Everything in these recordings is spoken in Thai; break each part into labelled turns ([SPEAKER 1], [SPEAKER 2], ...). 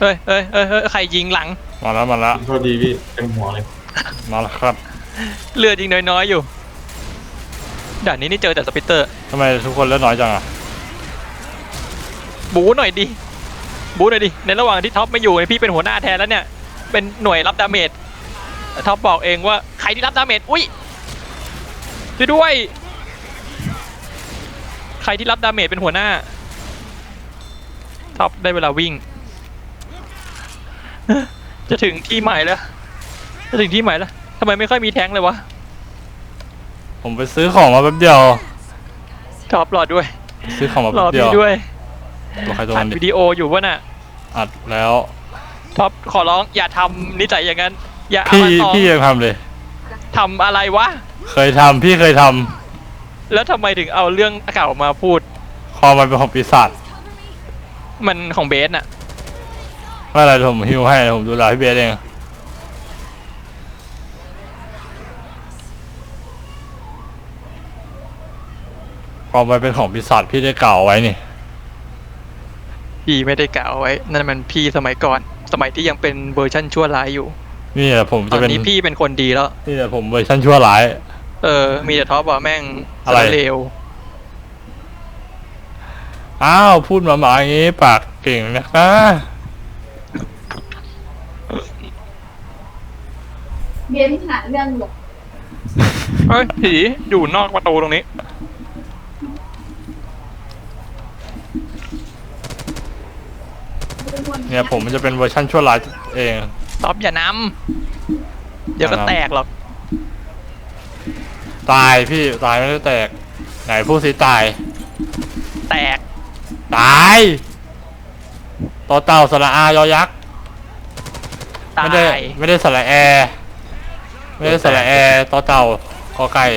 [SPEAKER 1] เฮ้ยใครยิงหลัง
[SPEAKER 2] มาแล้ว
[SPEAKER 3] โทษดีพี่เต็มหัวเลย
[SPEAKER 2] มาแล้วครับ
[SPEAKER 1] เลือดยิงน้อยๆอยู่ด่านนี้นี่เจอแต่สปิตเตอร์
[SPEAKER 2] ทำไมทุกคนเลือดน้อยจังอะ
[SPEAKER 1] บูหน่อยดิในระหว่างที่ท็อปไม่อยู่พี่เป็นหัวหน้าแทนแล้วเนี่ยเป็นหน่วยรับดาเมจท็อปบอกเองว่าใครที่รับดาเมจอุ้ยช่วยด้วยใครที่รับดาเมจเป็นหัวหน้าท็อปได้เวลาวิ่งจะถึงที่ใหม่แล้วทำไมไม่ค่อยมีแท้งเลยวะ
[SPEAKER 2] ผมไปซื้อของมาแป๊บเดียว
[SPEAKER 1] ท็อปรอด้วย
[SPEAKER 2] ซื้อของมาแป๊บเดียว
[SPEAKER 1] รอพี่ด้วย
[SPEAKER 2] ตัวใครตัวมัน
[SPEAKER 1] อัดวิดีโออยู่วะน่ะ
[SPEAKER 2] อัดแล้ว
[SPEAKER 1] ท็อปขอร้องอย่าทำนิสัยอย่างนั้นอย่าเอามาต่อ
[SPEAKER 2] พี่ยังทำเลย
[SPEAKER 1] ทำอะไรวะ
[SPEAKER 2] พี่เคยท
[SPEAKER 1] ำแล้วทำไมถึงเอาเรื่องเก่ามาพูด
[SPEAKER 2] คอมันเป็นของปีศาจ
[SPEAKER 1] มันของเบสน่ะ
[SPEAKER 2] ไม่อะไรผมฮิวให้ผมดูแลพี่เบสเองคอมันเป็นของปีศาจพี่ได้กล่าวไว้นี่
[SPEAKER 1] พี่ไม่ได้กล่าวไว้นั่นมันพี่สมัยก่อนสมัยที่ยังเป็นเวอร์ชั่นชั่วร้ายอยู่
[SPEAKER 2] นี่แหละผมจะเป็น
[SPEAKER 1] ตอนนี้พี่เป็นคนดีแล้ว
[SPEAKER 2] นี่แหละผมเวอร์ชั่นชั่วร้าย
[SPEAKER 1] มีแต่ท็อปว่าแม่ง
[SPEAKER 2] อะไร
[SPEAKER 1] เลว
[SPEAKER 2] อ้าวพูดมาอย่างนี้ปากเก่งนะคะ
[SPEAKER 4] เบียนหาเรื่องหรอ
[SPEAKER 1] เฮ้ยผีอยู่นอกประตูตรงนี้
[SPEAKER 2] เนี่ยผมมันจะเป็นเวอร์ชันชั่วร้ายเอง
[SPEAKER 1] ท็อปอย่านำเดี๋ยวก็แตกหรอก
[SPEAKER 2] ตายพี่ตายไม่ได้แตกไหนพูดสิตาย
[SPEAKER 1] แตก
[SPEAKER 2] ตายต่อเต่าสระอายอยักษ์ไม่ได้สระแอไม่ได้สระแอต่อเต่าคอไก่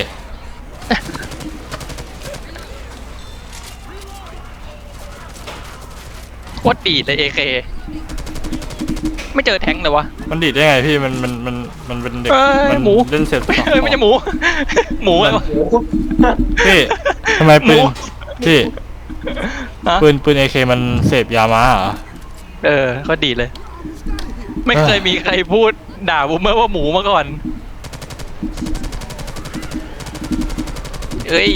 [SPEAKER 1] โคตรดีเลย AK ไม่เจอแทงเลยวะ
[SPEAKER 2] มันดีดได้ไงพี่มันเป็นเด็กมัน
[SPEAKER 1] หมู
[SPEAKER 2] เล่นเสร็จ
[SPEAKER 1] ไม่ใช่หมูอะไรวะ
[SPEAKER 2] พี่ทำไมปืนพี่ปืน AK มันเสพยามาเหรอ
[SPEAKER 1] ก็ดีเลยไม่เคยมีใครพูดด่าบูมเมอร์ว่าหมูมาก่อนแท็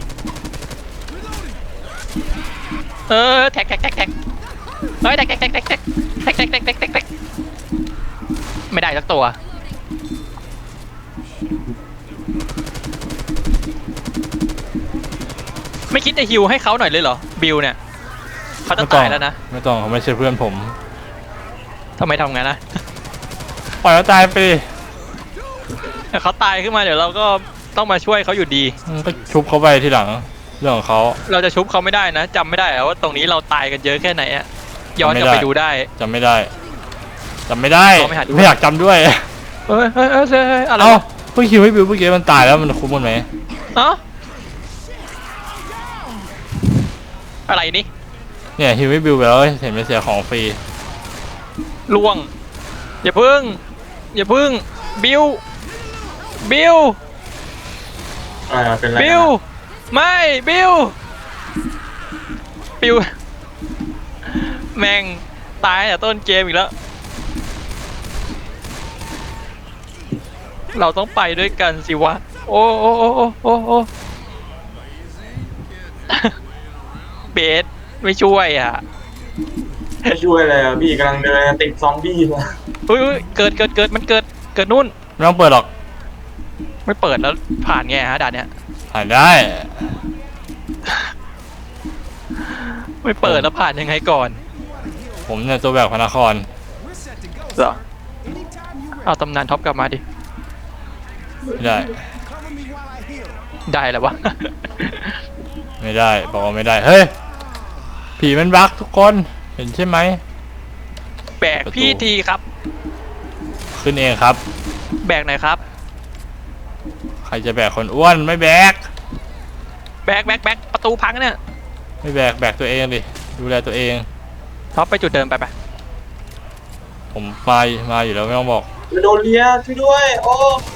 [SPEAKER 1] กเฮ้ยแท็กไม่ได้สักตัวไม่คิดจะฮิวให้เขาหน่อยเลยเหรอบิลเนี่ยเขาจะตายแล้วนะ
[SPEAKER 2] ไม่ต้องเขาไม่ใช่เพื่อนผม
[SPEAKER 1] ทำไมทำงั้นนะ
[SPEAKER 2] ปล่อยเขาตายไป
[SPEAKER 1] เขาตายขึ้นมาเดี๋ยวเราก็ต้องมาช่วยเขาอยู่ดี
[SPEAKER 2] ก็ชุบเขาไปทีหลังเรื่องของเขา
[SPEAKER 1] เราจะชุบเขาไม่ได้นะจำไม่ได้ว่าตรงนี้เราตายกันเยอะแค่ไหนอะย้อนกลับไปดูได้
[SPEAKER 2] จำไม่ได้ไม่อยากจำด้วย
[SPEAKER 1] อะไร
[SPEAKER 2] เพิ่งคิวให้บิวเมื่อกี้มันตายแล้วมันคุ้มกันไหม
[SPEAKER 1] อะไรนี่
[SPEAKER 2] เนี่ยฮิวให้บิวไปแล้วเห็นไม่เสียของฟรี
[SPEAKER 1] ล่วงอย่าพึ่งบิว
[SPEAKER 3] เป็นไร
[SPEAKER 1] ไม่บิวแม่งตายแต่ต้นเกมอีกแล้วเราต้องไปด้วยกันสิวะโอ้เบสไม่ช่วยอ่ะ
[SPEAKER 3] ไม่ช่วยเลยพี่กำลังเดินติดซอมบี้เลย
[SPEAKER 1] เกิดมันเกิดนู่น
[SPEAKER 2] ไม่ต้องเปิดหรอก
[SPEAKER 1] ไม่เปิดแล้วผ่านไงฮะด่านเนี้ย
[SPEAKER 2] ผ่านได้
[SPEAKER 1] ไม่เปิดแล้วผ่านยังไงก่อน
[SPEAKER 2] ผมเนี่ยตัวแบกพระนคร
[SPEAKER 1] เหรอเอาตำนานท็อปกลับมาดิ
[SPEAKER 2] ไม่ได้
[SPEAKER 1] แล้ววะ
[SPEAKER 2] ไม่ได้บอกว่าไม่ได้เฮ้ยผีมันบั๊กทุกคนเห็นใช่ไหม
[SPEAKER 1] แบกพี่ทีครับ
[SPEAKER 2] ขึ้นเองครับ
[SPEAKER 1] แบกไหนครับ
[SPEAKER 2] ใครจะแบกคนอ้วนไม่แบก
[SPEAKER 1] ประตูพังเนี่ย
[SPEAKER 2] ไม่แบกตัวเองดิดูแลตัวเอง
[SPEAKER 1] ท็อปไปจุดเดิมไป
[SPEAKER 2] ผมมาอยู่แล้วไม่ต้องบอก
[SPEAKER 3] โดนเลียช่วยด้วยโอ้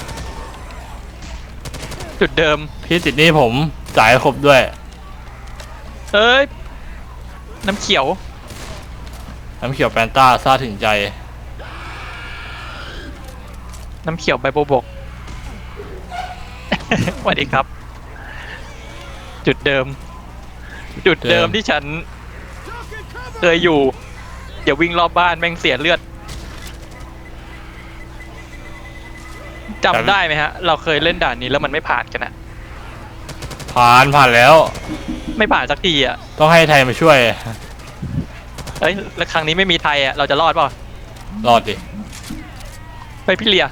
[SPEAKER 1] จุดเดิม
[SPEAKER 2] พี่ติดนี่ผมจ่ายครบด้วย
[SPEAKER 1] น้ำเขียว
[SPEAKER 2] น้ำเขียวแปนต้าซาถึงใจ
[SPEAKER 1] น้ำเขียวใบบัวบก สวัสดีครับ จุดเดิม จุดเดิมที่ฉันเคยอยู่อย่าวิ่งรอบบ้านแม่งเสียเลือดจำได้ไหมฮะ เราเคยเล่นด่านนี้แล้วมันไม่ผ่านกันอะ
[SPEAKER 2] ผ่านแล้ว
[SPEAKER 1] ไม่ผ่านสักทีอะ
[SPEAKER 2] ต้องให้ไทยมาช่วย
[SPEAKER 1] เอ้ยแล้วครั้งนี้ไม่มีไทยอะเราจะรอดเปล่าร
[SPEAKER 2] อดดิ
[SPEAKER 1] ไปพี่เลีย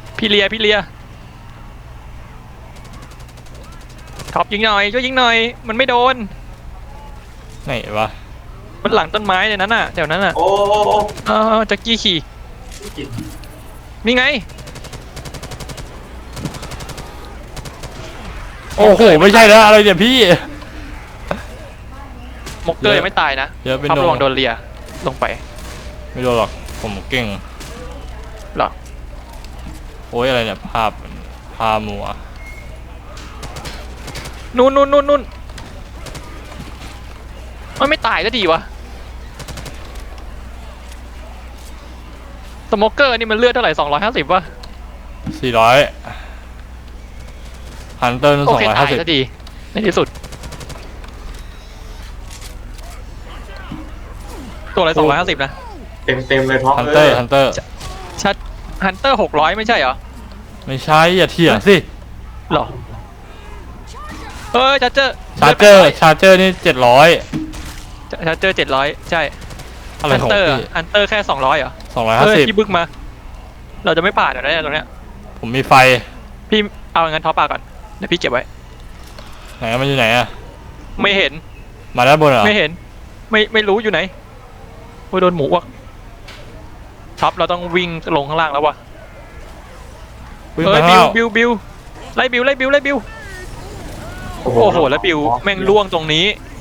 [SPEAKER 1] ท็อปยิงหน่อยช่วยยิงหน่อย มันไม่โดน
[SPEAKER 2] ไหนวะ
[SPEAKER 1] มันหลังต้นไม้เลยนั้นน่ะเดี๋ยวนั้นน่ะ
[SPEAKER 3] โอ้
[SPEAKER 1] แจ็คกี้ขี่นี่ไง
[SPEAKER 2] โอ้โหไม่ใช่แล้วอะไรเนี่ยพี่
[SPEAKER 1] มกเกอร์ยังไม่ตายนะ
[SPEAKER 2] เยอะเป็น
[SPEAKER 1] ท็อประวัง
[SPEAKER 2] โด
[SPEAKER 1] โด
[SPEAKER 2] น
[SPEAKER 1] นเลียลงไป
[SPEAKER 2] ไม่โดนหรอกผมเก่ง
[SPEAKER 1] หรอ
[SPEAKER 2] โอ้ยอะไรเนี่ยภาพมัว
[SPEAKER 1] นู่นมันไม่ตายก็ดีวะสโมกเกอร์นี่มันเลือดเท่าไหร่250วะ
[SPEAKER 2] 400ฮันเตอร์นั่น
[SPEAKER 1] โอเคตาย
[SPEAKER 2] 250
[SPEAKER 1] ก็ดีในที่สุดตัวอะไร250นะ
[SPEAKER 3] เต็มเลยท็อป
[SPEAKER 2] ฮันเตอร์
[SPEAKER 1] ชัดฮันเตอร์600ไม่ใช่เหรอ
[SPEAKER 2] ไม่ใช่อย่าเถียงสิ
[SPEAKER 1] หรอชัดเจอ
[SPEAKER 2] ชาร์เจอร์นี่700
[SPEAKER 1] ชัดเจอ700ใช่
[SPEAKER 2] อะไร
[SPEAKER 1] ฮัน
[SPEAKER 2] ของ
[SPEAKER 1] เตอร์
[SPEAKER 2] พี่
[SPEAKER 1] ฮันเตอร์แค่200เหรอพี่
[SPEAKER 2] 250
[SPEAKER 1] บึกมา เราจะไม่ผ่านเหรอเนี่ยตรงเนี้ย
[SPEAKER 2] ผมมีไฟ
[SPEAKER 1] พี่เอางั้นท็อปปาก่อนเดี๋ยวพี่เก็บไว้
[SPEAKER 2] ไหนมันอยู่ไหนอะ
[SPEAKER 1] ไม่เห็น
[SPEAKER 2] มาด้านบนเหรอ
[SPEAKER 1] ไม่เห็นไม่รู้อยู่ไหนโอ้ยโดนหมูวะท็อปเราต้องวิ่งลงข้างล่างแล้ววะ
[SPEAKER 2] วิ่งไปข้างล่าง
[SPEAKER 1] บิวไล่บิวโอ้โหแล้วบิวแม่งล่วงตรงนี้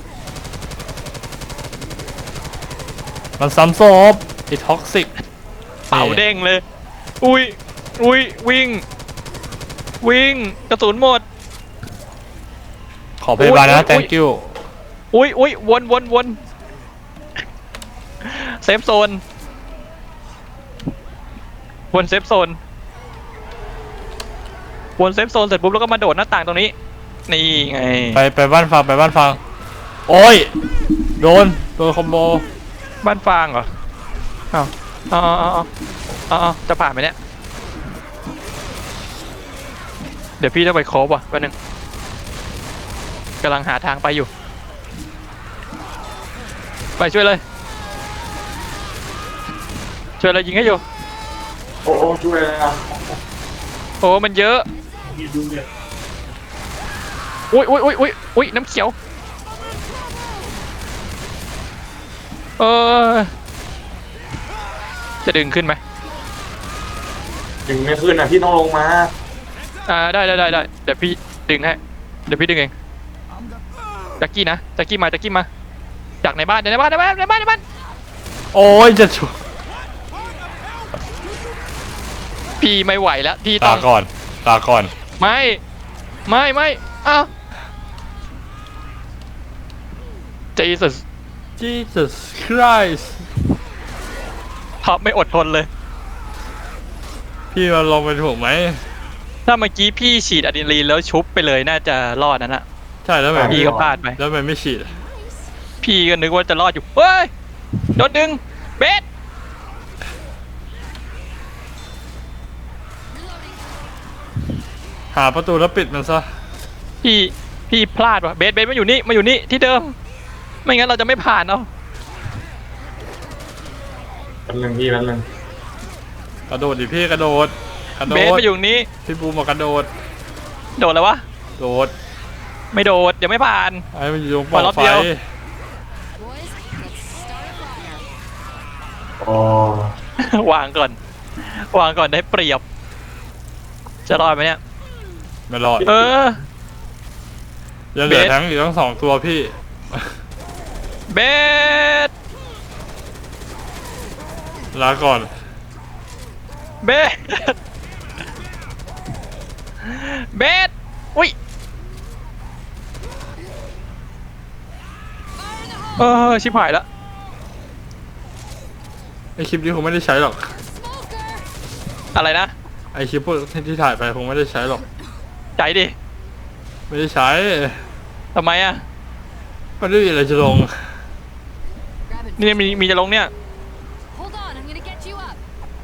[SPEAKER 2] มันซ้ำศพไอ้ท็อกซิก
[SPEAKER 1] เป่าเด้งเลยอุ้ยวิ่งกระสุนหมด
[SPEAKER 2] ขอพยาบาลนะ thank you
[SPEAKER 1] อุ้ยวนเซฟโซนวนเซฟโซนเสร็จปุ๊บแล้วก็มาโดดหน้าต่างตรงนี้นี่ไง
[SPEAKER 2] ไปบ้านฟังโอ้ยโดนคอมโบ
[SPEAKER 1] บ้านฟางเหรอเอาจะผ่านไหมเนี่ยเดี๋ยวพี่ต้องไปโคบว่ะแป๊บนึงกำลังหาทางไปอยู่ไปช่วยเลยยิงให้อยู่
[SPEAKER 3] โอ้ช่วยเลยนะ
[SPEAKER 1] โอ้มันเยอะอุ้ยน้ำเขียวจะดึงขึ้นไหม
[SPEAKER 3] ยังไม่ขึ้นอ่ะพี่ต้องลงมา
[SPEAKER 1] ได้เดี๋ยวพี่ดึงให้เดี๋ยวพี่ดึงเองแจ็คกี้มาจากในบ้าน
[SPEAKER 2] โอ้ยจะชุบ
[SPEAKER 1] พี่ไม่ไหวแล้วพี่ต้
[SPEAKER 2] ตา
[SPEAKER 1] อง
[SPEAKER 2] ก่อน
[SPEAKER 1] ไม่อ้าว
[SPEAKER 2] Jesus Christ
[SPEAKER 1] ท็อปไม่อดทนเลย
[SPEAKER 2] พี่มาลงไปถูกไหม
[SPEAKER 1] ถ้าเมื่อกี้พี่ฉีดอะดรีนาลีนแล้วชุบไปเลยน่าจะรอดนั่นอะ
[SPEAKER 2] ใช่แล้วแบบ
[SPEAKER 1] พี่ก็พลาดไป
[SPEAKER 2] แล้วมันไม่ฉีด
[SPEAKER 1] พี่ก็นึกว่าจะรอดอยู่เฮ้ยโดนดึงเบส
[SPEAKER 2] หาประตูแล้วปิดมันซะ
[SPEAKER 1] พี่พลาดว่ะเบสมาอยู่นี่ที่เดิมไม่งั้นเราจะไม่ผ่านเอา
[SPEAKER 3] แป๊บนึง
[SPEAKER 2] กระโดดดิพี่กระโดด
[SPEAKER 1] เบสมาอยู่นี้
[SPEAKER 2] พี่บูมบอกกระโดด
[SPEAKER 1] โดดแล้ววะ
[SPEAKER 2] โดด
[SPEAKER 1] ไม่โดดเดี๋ยวไม่ผ่าน
[SPEAKER 2] ไอ้มันอยู่ตรงปล่อง
[SPEAKER 1] รอบ
[SPEAKER 2] ไฟ
[SPEAKER 1] เดียว
[SPEAKER 3] โอ้
[SPEAKER 1] วางก่อนได้เปรียบจะรอดไหมเนี่ย
[SPEAKER 2] ไม่รอด ยังเหลือ
[SPEAKER 1] เบส
[SPEAKER 2] ทั้งอยู่ทั้ง2ตัวพี่
[SPEAKER 1] เบส
[SPEAKER 2] ลาก่อน
[SPEAKER 1] เบสอุ้ยชิบหายแล้ว
[SPEAKER 2] ไอคลิปนี้คงไม่ได้ใช้หรอก
[SPEAKER 1] อะไรนะ
[SPEAKER 2] ไอคลิปพวกที่ถ่ายไปคงไม่ได้ใช้หรอก
[SPEAKER 1] ใจดิ
[SPEAKER 2] ไม่ได้ใช้
[SPEAKER 1] ทำไมอ่ะ
[SPEAKER 2] มันไม่มีอะไรจะลง
[SPEAKER 1] นี่มีจะลงเนี่ย
[SPEAKER 5] Hold on, I'm gonna get you up.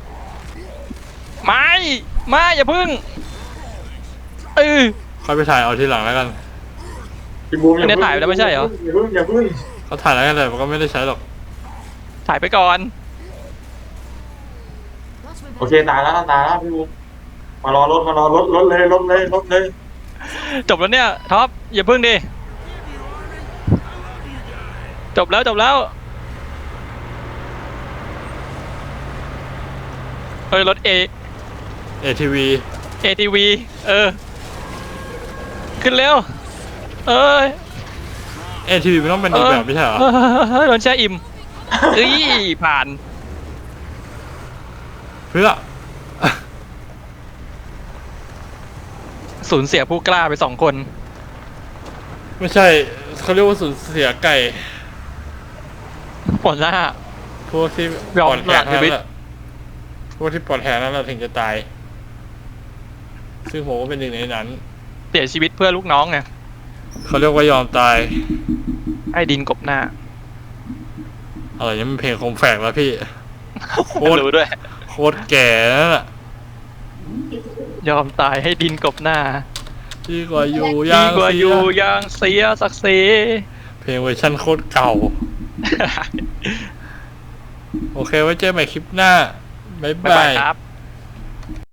[SPEAKER 1] ไม่อย่าพึ่งเออ
[SPEAKER 2] ค่อยไปถ่ายเอาทีหลังแล้วกัน
[SPEAKER 3] พี่บูมอย่า
[SPEAKER 1] อันนี้ถ่ายไปแล้วไม่ใช่เหรอ
[SPEAKER 3] อย่าพึ่ง
[SPEAKER 2] เขาถ่ายแล้วกันแต่มันก็ไม่ได้ใช้หรอก
[SPEAKER 1] ถ่ายไปก่อน
[SPEAKER 3] โอเคตายแล้วพี่บูมมารอรถรถเลย
[SPEAKER 1] จบแล้วเนี่ยท็อปอย่าพึ่งดิจบแล้วเฮ้ยรถ
[SPEAKER 2] ATV
[SPEAKER 1] ATV ขึ้นเร็วเอ้ย
[SPEAKER 2] ATV มันต้องเป็นอีกแบบไม่ใช่เหรอ
[SPEAKER 1] โดนแช่อิ่มเอ้ยผ่าน
[SPEAKER 2] เพื่อ
[SPEAKER 1] สูญเสียผู้กล้าไป2 คน
[SPEAKER 2] ไม่ใช่เขาเรียกว่าสูญเสียไก่
[SPEAKER 1] หัวหน้า
[SPEAKER 2] พวกที่
[SPEAKER 1] ยอม
[SPEAKER 2] ปลอดแหก
[SPEAKER 1] สละชี
[SPEAKER 2] นั่น
[SPEAKER 1] วิต
[SPEAKER 2] แหละพวกที่ปลอดแหกนั่นแหละถึงจะตาย ซึ่งผมก็เป็นหนึ่งในนั้น
[SPEAKER 1] เสียชีวิตเพื่อลูกน้องไง
[SPEAKER 2] เขาเรียกว่ายอมตาย
[SPEAKER 1] ไอ้ดินกบหน้า
[SPEAKER 2] อะไรนี่มันเพลงคมแฝกแล้วพี่ โคตร
[SPEAKER 1] รู้ด้วย
[SPEAKER 2] โคตรแก่นั่นแหละ
[SPEAKER 1] ยอมตายให้ดินกบหน้า
[SPEAKER 2] ดีกว่าอยู่
[SPEAKER 1] ดี
[SPEAKER 2] ย่าง
[SPEAKER 1] กว่า
[SPEAKER 2] เสี
[SPEAKER 1] อยู่อยางเสียศักดิ์ศรี
[SPEAKER 2] เพลงเวอร์ชันโคตรเก่า โอเคไว้เจอใหม่คลิปหน้า บ๊าย
[SPEAKER 1] บ๊าย
[SPEAKER 2] บา
[SPEAKER 1] บาย
[SPEAKER 2] ย
[SPEAKER 1] ครับ